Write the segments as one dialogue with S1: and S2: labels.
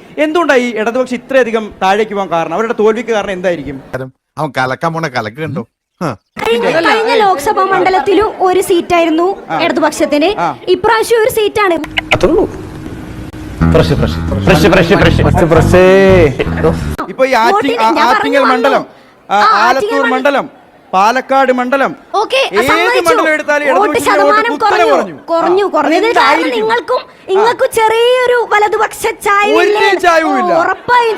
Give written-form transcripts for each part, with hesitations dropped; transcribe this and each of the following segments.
S1: എന്തുകൊണ്ടാണ് ഈ ഇടതുപക്ഷം ഇത്രയധികം താഴേക്ക് പോകാൻ കാരണം? അവരുടെ തോൽവിക്ക് കാരണം എന്തായിരിക്കും?
S2: അവൻ കലക്കാൻ പോണ കലക്ക് കണ്ടോ.
S3: കഴിഞ്ഞ ലോക്സഭാ മണ്ഡലത്തിലും ഒരു സീറ്റായിരുന്നു ഇടതുപക്ഷത്തിന്, ഇപ്രാവശ്യം ഒരു സീറ്റാണ്.
S1: ഇപ്പൊ ഈ ആറ്റിങ്ങൽ മണ്ഡലം, ആലത്തൂർ മണ്ഡലം, പാലക്കാട് മണ്ഡലം, ഏത് മണ്ഡലം എടുത്താലും
S3: കുറഞ്ഞു. നിങ്ങൾക്കും ചെറിയൊരു വലതുപക്ഷ ചായവില്ല. ഉറപ്പായും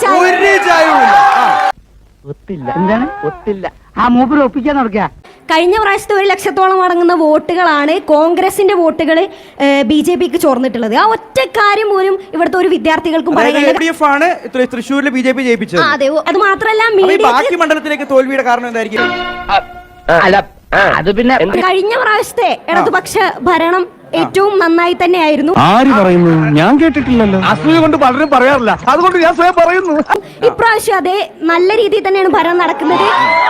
S4: ഒത്തില്ല. ആ മൂപ്പര് ഒപ്പിക്കാൻ നടക്കുക.
S3: കഴിഞ്ഞ പ്രാവശ്യത്തെ 1 ലക്ഷത്തോളം അടങ്ങുന്ന വോട്ടുകളാണ് കോൺഗ്രസിന്റെ വോട്ടുകൾ BJPക്ക് ചോർന്നിട്ടുള്ളത്. ആ ഒറ്റ കാര്യം പോലും ഇവിടുത്തെ ഒരു വിദ്യാർത്ഥികൾക്കും
S1: തൃശ്ശൂരിൽ BJP ജയിപ്പിച്ചത്.
S3: അതെ, അത് മാത്രമല്ല
S1: ബാക്കി മണ്ഡലത്തിലേക്ക് തോൽവിയുടെ കാരണം എന്തായിരിക്കും?
S4: അത് പിന്നെ
S3: കഴിഞ്ഞ പ്രാവശ്യത്തെ ഇടതുപക്ഷ ഭരണം ഏറ്റവും നന്നായി തന്നെയായിരുന്നു.
S5: ആര് പറയുന്നു? ഞാൻ കേട്ടിട്ടില്ലല്ലോ.
S2: അസൂയ കൊണ്ട് പലരും പറയാറില്ല, അതുകൊണ്ട് ഞാൻ സ്വയം പറയുന്നു.
S3: ഇപ്രാവശ്യം അതെ, നല്ല രീതിയിൽ തന്നെയാണ് ഭരണം നടക്കുന്നത്.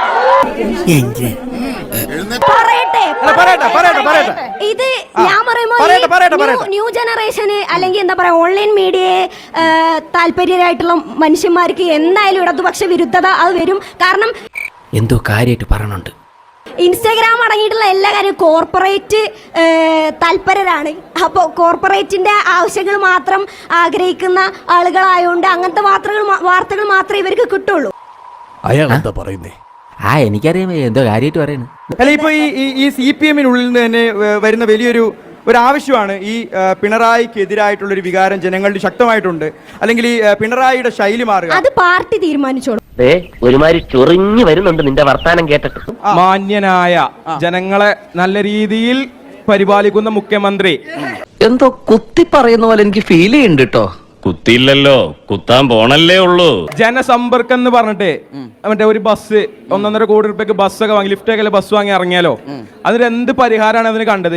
S3: ഇത് ഞാൻ പറയുമ്പോൾ ന്യൂ ജനറേഷന് അല്ലെങ്കിൽ എന്താ പറയാ ഓൺലൈൻ മീഡിയയെ താല്പര്യരായിട്ടുള്ള മനുഷ്യന്മാർക്ക് എന്തായാലും ഇടതുപക്ഷ വിരുദ്ധത അത് വരും. കാരണം
S6: എന്തോ കാര്യമായിട്ട് പറയണുണ്ട്.
S3: ഇൻസ്റ്റാഗ്രാം അടങ്ങിയിട്ടുള്ള എല്ലാ കാര്യവും കോർപ്പറേറ്റ് താല്പര്യരാണ്. അപ്പോൾ കോർപ്പറേറ്റിന്റെ ആവശ്യങ്ങൾ മാത്രം ആഗ്രഹിക്കുന്ന ആളുകളായതുകൊണ്ട് അങ്ങനത്തെ വാർത്തകൾ മാത്രമേ ഇവർക്ക് കിട്ടുള്ളൂ.
S5: അയാൾ എന്താ പറയുന്നേ?
S6: എനിക്കറിയാം എന്തോ കാര്യമായിട്ട് പറയുന്നു.
S1: അല്ല, ഇപ്പൊ ഈ CPM-നുള്ളിൽ നിന്ന് തന്നെ വരുന്ന വലിയൊരു ആവശ്യമാണ് ഈ പിണറായിക്കെതിരായിട്ടുള്ള ഒരു വികാരം ജനങ്ങളിൽ ശക്തമായിട്ടുണ്ട്. അല്ലെങ്കിൽ ഈ പിണറായിയുടെ ശൈലി മാറുക,
S3: അത് പാർട്ടി തീരുമാനിച്ചോളൂ.
S4: ഒരുമാതിരി ചൊറിഞ്ഞു വരുന്നുണ്ട് നിന്റെ വർത്താനം കേട്ടിട്ട്.
S7: മാന്യനായ ജനങ്ങളെ നല്ല രീതിയിൽ പരിപാലിക്കുന്ന മുഖ്യമന്ത്രി
S6: എന്തോ കുത്തി പറയുന്ന പോലെ എനിക്ക് ഫീൽ ചെയ്യുന്നുണ്ട് കേട്ടോ.
S5: കുത്തിയില്ലല്ലോ, കുത്താൻ പോണല്ലേ ഉള്ളൂ.
S7: ജനസമ്പർക്കം എന്ന് പറഞ്ഞിട്ട് മറ്റേ ഒരു ബസ് 1.5 കോടി രൂപയ്ക്ക് ബസ്സൊക്കെ വാങ്ങി, ലിഫ്റ്റൊക്കെ ബസ് വാങ്ങി ഇറങ്ങിയാലോ, അതിന് എന്ത് പരിഹാരമാണ് അതിന് കണ്ടത്?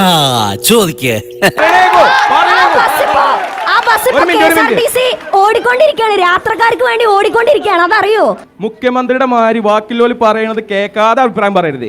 S3: ഓടിക്കൊണ്ടിരിക്കുകയാണ്, യാത്രക്കാർക്ക് വേണ്ടി ഓടിക്കൊണ്ടിരിക്കുകയാണ്, അതറിയോ?
S7: മുഖ്യമന്ത്രിയുടെ മാതിരി ബാക്കിയുള്ളവർ പറയുന്നത് കേൾക്കാതെ അഭിപ്രായം പറയരുത്.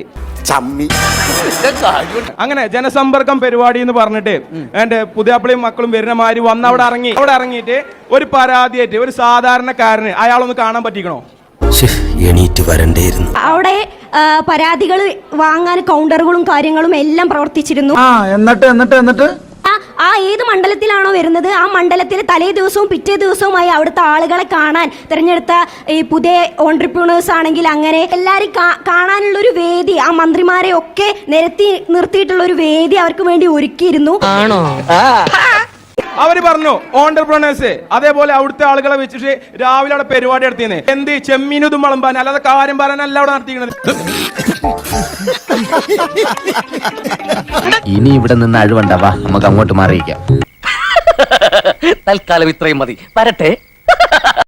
S7: അങ്ങനെ ജനസമ്പർക്കം പരിപാടി എന്ന് പറഞ്ഞിട്ട് എന്റെ പുതിയാപ്പിളയും മക്കളും വരുന്ന മാതിരി വന്ന് അവിടെ ഇറങ്ങിയിട്ട് ഒരു പരാതിയായിട്ട് ഒരു സാധാരണക്കാരന് അയാളൊന്ന് കാണാൻ പറ്റിക്കണോ?
S6: എണീറ്റ് വരണ്ടേയിരുന്നു.
S3: അവിടെ പരാതികൾ വാങ്ങാൻ കൗണ്ടറുകളും കാര്യങ്ങളും എല്ലാം പ്രവർത്തിച്ചിരുന്നു.
S4: എന്നിട്ട്
S3: ആ ഏത് മണ്ഡലത്തിലാണോ വരുന്നത് ആ മണ്ഡലത്തിൽ തലേ ദിവസവും പിറ്റേ ദിവസവുമായി അവിടുത്തെ ആളുകളെ കാണാൻ തിരഞ്ഞെടുത്ത ഈ പുതിയ ഓൺട്രപ്രണേഴ്സ് ആണെങ്കിൽ അങ്ങനെ എല്ലാവരും കാണാനുള്ളൊരു വേദി, ആ മന്ത്രിമാരെ ഒക്കെ നിർത്തിയിട്ടുള്ള ഒരു വേദി അവർക്ക് വേണ്ടി ഒരുക്കിയിരുന്നു.
S7: അവര് പറഞ്ഞു ഓൺട്രപ്രണേഴ്സ്, അതേപോലെ അവിടുത്തെ ആളുകളെ വെച്ചിട്ട് രാവിലെ അവിടെ പരിപാടി നടത്തിയെന്ന്. എന്ത് ചെമ്മീനും വിളമ്പാൻ, അല്ലാതെ കാര്യം പറയാനല്ല അവിടെ നടത്തിക്കുന്നത്.
S6: ഇനി ഇവിടെ നിന്ന് അഴിവണ്ടാവാ, നമുക്ക് അങ്ങോട്ട് മാറിയിക്കാം. തൽക്കാലം ഇത്രയും മതി, വരട്ടെ.